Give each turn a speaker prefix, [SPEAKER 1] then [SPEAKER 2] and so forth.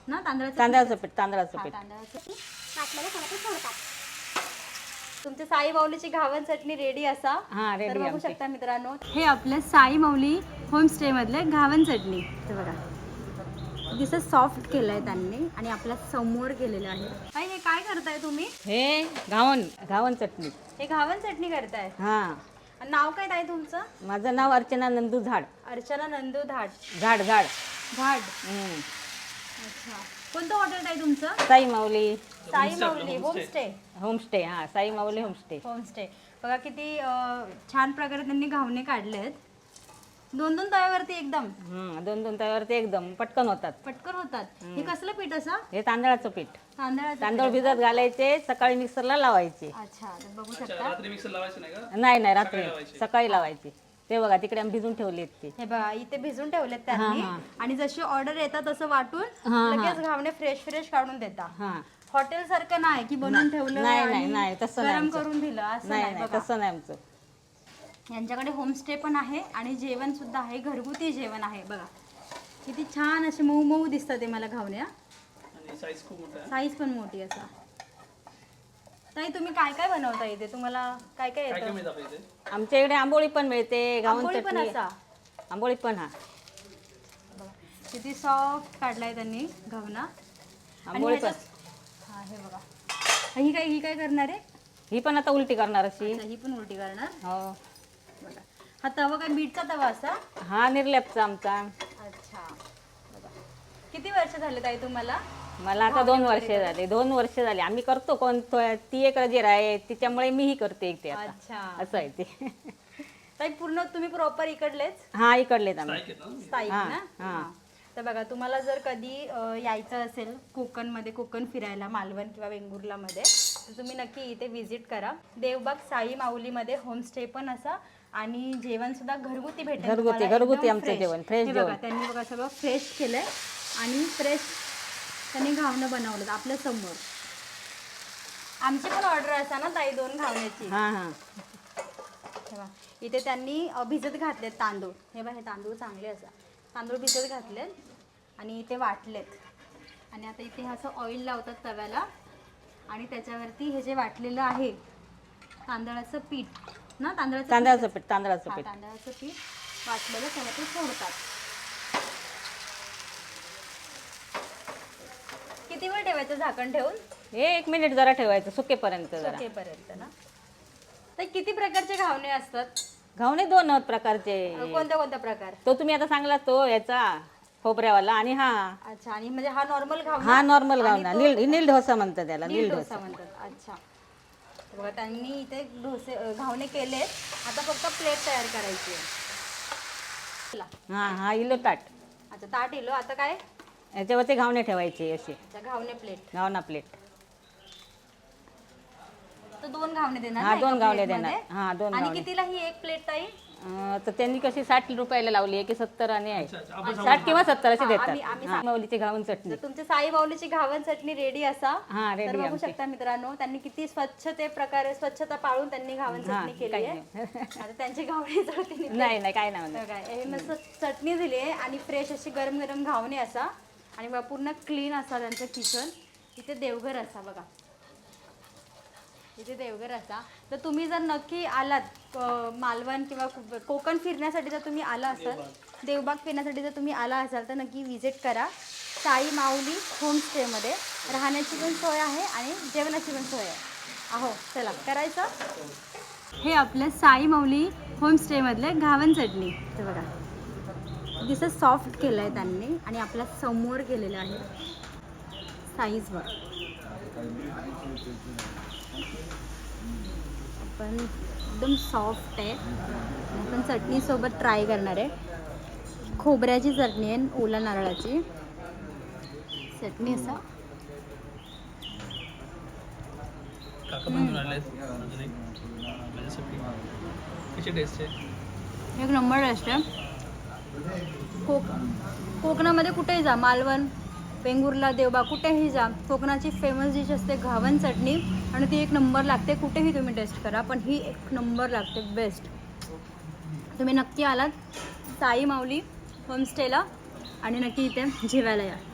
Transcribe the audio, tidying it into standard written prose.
[SPEAKER 1] ना तांदळाचं
[SPEAKER 2] तांदळाचं पीठ तांदळाचं
[SPEAKER 1] हा,
[SPEAKER 2] पीठ
[SPEAKER 1] तांदळाचं पीठ वाटलेलं सगळं ते सोडतात. तुमची साई माऊलीची घावन चटणी रेडी असा.
[SPEAKER 2] हा
[SPEAKER 1] तर
[SPEAKER 2] रेडी
[SPEAKER 1] बघू
[SPEAKER 2] आमची.
[SPEAKER 1] शकता मित्रांनो, हे आपलं साई माऊली होमस्टे मधले घावन चटणी. हे बघा दिसत सॉफ्ट केलंय त्यांनी आणि आपल्या समोर केलेलं आहे. ताई हे काय करताय तुम्ही?
[SPEAKER 2] हे घावन घावन चटणी.
[SPEAKER 1] हे घावन चटणी करताय.
[SPEAKER 2] हा
[SPEAKER 1] आणि नाव काय ताई तुमचं?
[SPEAKER 2] माझं नाव अर्चना नंदू झाड.
[SPEAKER 1] अर्चना नंदू धाड.
[SPEAKER 2] झाड झाड.
[SPEAKER 1] धाड.
[SPEAKER 2] हम्म.
[SPEAKER 1] अच्छा, कोणतं हॉटेल ताई तुमचं?
[SPEAKER 2] साई माऊली
[SPEAKER 1] साई माऊली होमस्टे.
[SPEAKER 2] होमस्टे. हा साई माऊली होमस्टे.
[SPEAKER 1] होमस्टे बघा किती छान प्रकारे त्यांनी घावणे काढलेत. दोन दोन तव्यावरती एकदम
[SPEAKER 2] दोन दोन तव्यावरती एकदम पटकन होतात.
[SPEAKER 1] पटकन होतात. हे कसलं पीठ असं?
[SPEAKER 2] हे तांदळाचं पीठ.
[SPEAKER 1] तांदळाचं
[SPEAKER 2] तांदूळ
[SPEAKER 1] पीठ
[SPEAKER 2] भिजत घालायचे, सकाळी मिक्सरला लावायचे.
[SPEAKER 1] अच्छा, तर बघू शकता.
[SPEAKER 3] रात्री मिक्सर लावायचं नाही का?
[SPEAKER 2] नाही नाही रात्री सकाळी लावायचे. ते बघा तिकडे आम्ही भिजून ठेवलेत ते.
[SPEAKER 1] हे बघा इथे भिजून ठेवलेत त्यांनी.
[SPEAKER 2] हा.
[SPEAKER 1] आणि जशी ऑर्डर येतात तसं वाटून
[SPEAKER 2] हा.
[SPEAKER 1] लगेच घावणे फ्रेश फ्रेश काढून देता.
[SPEAKER 2] हा
[SPEAKER 1] हॉटेल सारखं नाही की बनवून ठेवलं
[SPEAKER 2] नाही,
[SPEAKER 1] आणि
[SPEAKER 2] नाही, तसं नाही
[SPEAKER 1] गरम
[SPEAKER 2] आमचं.
[SPEAKER 1] करून दिलं असं
[SPEAKER 2] नाही
[SPEAKER 1] नाही.
[SPEAKER 2] नाही
[SPEAKER 1] बघा
[SPEAKER 2] तसं नाही आमचं.
[SPEAKER 1] यांच्याकडे होमस्टे पण आहे आणि जेवण सुद्धा आहे, घरगुती जेवण आहे. बघा किती छान असे मऊ मऊ दिसतात ते मला घावण्या.
[SPEAKER 3] आणि साईज खूप मोठा आहे.
[SPEAKER 1] साईज पण मोठी असा. ताई तुम्ही काय काय बनवता इथे? तुम्हाला काय काय
[SPEAKER 3] काय काय
[SPEAKER 1] येतं?
[SPEAKER 3] मिळतं आपल्या इथे?
[SPEAKER 2] आमच्या इकडे आंबोळी पण मिळते, घावन
[SPEAKER 1] आंबोळी पण
[SPEAKER 2] चटणी.
[SPEAKER 1] असा.
[SPEAKER 2] आंबोळी पण हा
[SPEAKER 1] बघा किती सॉफ्ट काढलाय त्यांनी घावना. आणि
[SPEAKER 2] आंबोळी पण.
[SPEAKER 1] ह्याच्यात- हा हे बघा ही काय करणार आहे?
[SPEAKER 2] ही पण आता उलटी करणार अशी.
[SPEAKER 1] अच्छा, ही पण उलटी करणार.
[SPEAKER 2] हो.
[SPEAKER 1] बघा हा तवा काय बीटचा तवा असा?
[SPEAKER 2] हा निर्लेपचा आमचा.
[SPEAKER 1] अच्छा बघा किती वर्ष झाले ताई तुम्हाला?
[SPEAKER 2] मला आता 2 वर्ष झाले. 2 वर्ष झाले आम्ही करतो. कोण ती एक रजेर आहे तिच्यामुळे मीही करते एकटे आता.
[SPEAKER 1] अच्छा
[SPEAKER 2] असं आहे ते.
[SPEAKER 1] ताई पूर्ण तुम्ही प्रॉपर इकडलेच
[SPEAKER 2] हा इकडलेत आम्ही.
[SPEAKER 3] साईक आहेत ना?
[SPEAKER 1] स्थायिक
[SPEAKER 2] हा,
[SPEAKER 1] ना?
[SPEAKER 2] हा.
[SPEAKER 1] हा. तर बघा तुम्हाला जर कधी यायचं असेल कोकणमध्ये, कोकण फिरायला मालवण किंवा वेंगुर्लामध्ये, तर तुम्ही नक्की इथे व्हिजिट करा. देवबाग साई माऊलीमध्ये होमस्टे पण असा आणि जेवण सुद्धा घरगुती भेटेल
[SPEAKER 2] घरगुती,
[SPEAKER 1] तुम्हाला,
[SPEAKER 2] घरगुती
[SPEAKER 1] एकदम
[SPEAKER 2] आमचं
[SPEAKER 1] fresh.
[SPEAKER 2] जेवण, fresh
[SPEAKER 1] हे बघा
[SPEAKER 2] जेवण.
[SPEAKER 1] त्यांनी बघा सगळं फ्रेश केलंय आणि फ्रेश त्यांनी घावणं बनवलं आपल्या समोर. आमची पण ऑर्डर असा ना ताई 2 घावण्याची.
[SPEAKER 2] हा हा
[SPEAKER 1] तेव्हा इथे त्यांनी भिजत घातलेत तांदूळ. हे बघा हे तांदूळ चांगले असा तांदूळ भिजत घातलेत आणि इथे वाटलेत. आणि आता इथे असं ऑइल लावतात तव्याला आणि त्याच्यावरती हे जे वाटलेलं आहे तांदळाचं पीठ ना,
[SPEAKER 2] तांदळाचं पीठ तांदळाचं
[SPEAKER 1] हा,
[SPEAKER 2] पीठ.
[SPEAKER 1] तांदळाचं पीठ वाटलेलं त्याला ते सोडतात. किती वेळ ठेवायचं झाकण ठेवून?
[SPEAKER 2] हे 1 मिनिट जरा ठेवायचं सुकेपर्यंत जरा.
[SPEAKER 1] सुकेपर्यंत ना. तर किती प्रकारचे घावणे असतात?
[SPEAKER 2] घावणे 2 प्रकारचे.
[SPEAKER 1] कोणत्या कोणत्या प्रकार?
[SPEAKER 2] तो तुम्ही आता सांगला तो याचा खोबऱ्यावाला आणि हा
[SPEAKER 1] अच्छा, आणि म्हणजे हा नॉर्मल घावना?
[SPEAKER 2] हा नॉर्मल
[SPEAKER 1] आणि
[SPEAKER 2] घावना.
[SPEAKER 1] तो-
[SPEAKER 2] नील डोसा म्हणतात त्याला.
[SPEAKER 1] नील
[SPEAKER 2] नील
[SPEAKER 1] डोसा
[SPEAKER 2] डोसा.
[SPEAKER 1] म्हणतात. अच्छा, बघा त्यांनी इथे घावणे केलेत. आता फक्त प्लेट तयार करायची आहे.
[SPEAKER 2] हा हा इलो ताट.
[SPEAKER 1] अच्छा, ताट इलो. आता काय?
[SPEAKER 2] याच्यावरती घावणे ठेवायचे असे.
[SPEAKER 1] अच्छा, घावणे प्लेट.
[SPEAKER 2] घावना प्लेट.
[SPEAKER 1] तर 2 घावणे देणार
[SPEAKER 2] हा
[SPEAKER 1] ना
[SPEAKER 2] 2
[SPEAKER 1] एका
[SPEAKER 2] घावणे
[SPEAKER 1] प्लेटमध्ये?
[SPEAKER 2] देणार. हा 2
[SPEAKER 1] आणि
[SPEAKER 2] घावणे.
[SPEAKER 1] कितीला ही एक प्लेट ताई?
[SPEAKER 2] तर त्यांनी कशी 60 रुपयाला लावली आहे की 70 आणि आहे.
[SPEAKER 3] अच्छा, अच्छा. आपण
[SPEAKER 2] 60 किंवा 70 असे
[SPEAKER 1] हा,
[SPEAKER 2] देतात.
[SPEAKER 1] आम्ही
[SPEAKER 2] हा, माऊलीची घावन चटणी.
[SPEAKER 1] तर तुमची साई माऊलीची घावन चटणी रेडी असा.
[SPEAKER 2] हा
[SPEAKER 1] तर
[SPEAKER 2] रेडी
[SPEAKER 1] बघू
[SPEAKER 2] आमची.
[SPEAKER 1] शकता मित्रांनो, त्यांनी किती स्वच्छता पाळून त्यांनी घावन
[SPEAKER 2] हा,
[SPEAKER 1] चटणी केली
[SPEAKER 2] काही
[SPEAKER 1] आहे.
[SPEAKER 2] नाही.
[SPEAKER 1] आता त्यांची घावणी जळती
[SPEAKER 2] नाही नाही काय नाही म्हणत.
[SPEAKER 1] बघा, हे मस्त चटणी दिली आहे आणि फ्रेश अशी गरम गरम घावणे असा आणि बघा पूर्ण क्लीन असा त्यांचं किचन. इथे देवघर असा बघा, इथे देवघर असा. तर तुम्ही जर नक्की आलात मालवण किंवा कोकण फिरण्यासाठी जर तुम्ही आला असाल, देवबाग फिरण्यासाठी जर तुम्ही आला असाल तर नक्की व्हिजिट करा साई माऊली होमस्टेमध्ये. राहण्याची पण सोय आहे आणि जेवणाची पण सोय आहे. अहो चला करायचं. हे आपल्या साई माऊली होमस्टेमधले घावन चटणी. ते बघा दिसत सॉफ्ट केलं आहे त्यांनी आणि आपल्या समोर केलेलं आहे. साईज बघ पण एकदम सॉफ्ट आहे. आपण चटणीसोबत ट्राय करणार आहे. खोबऱ्याची चटणी आहे, ओला नारळाची चटणी असा.
[SPEAKER 3] काका पण घेऊन आले अजून एक माझ्यासाठी. कशी टेस्ट आहे?
[SPEAKER 1] एक नंबर टेस्ट आहे. कोकणामध्ये कुठेही जा, मालवण, वेंगुर्ला, देवबाग कुठेही जा, कोकणाची फेमस डिश असते घावन चटणी आणि ती एक नंबर लागते. कुठेही तुम्ही टेस्ट करा पण ही एक नंबर लागते, बेस्ट. तुम्ही नक्की आलात साई माऊली होमस्टेला आणि नक्की इथे जेवायला या.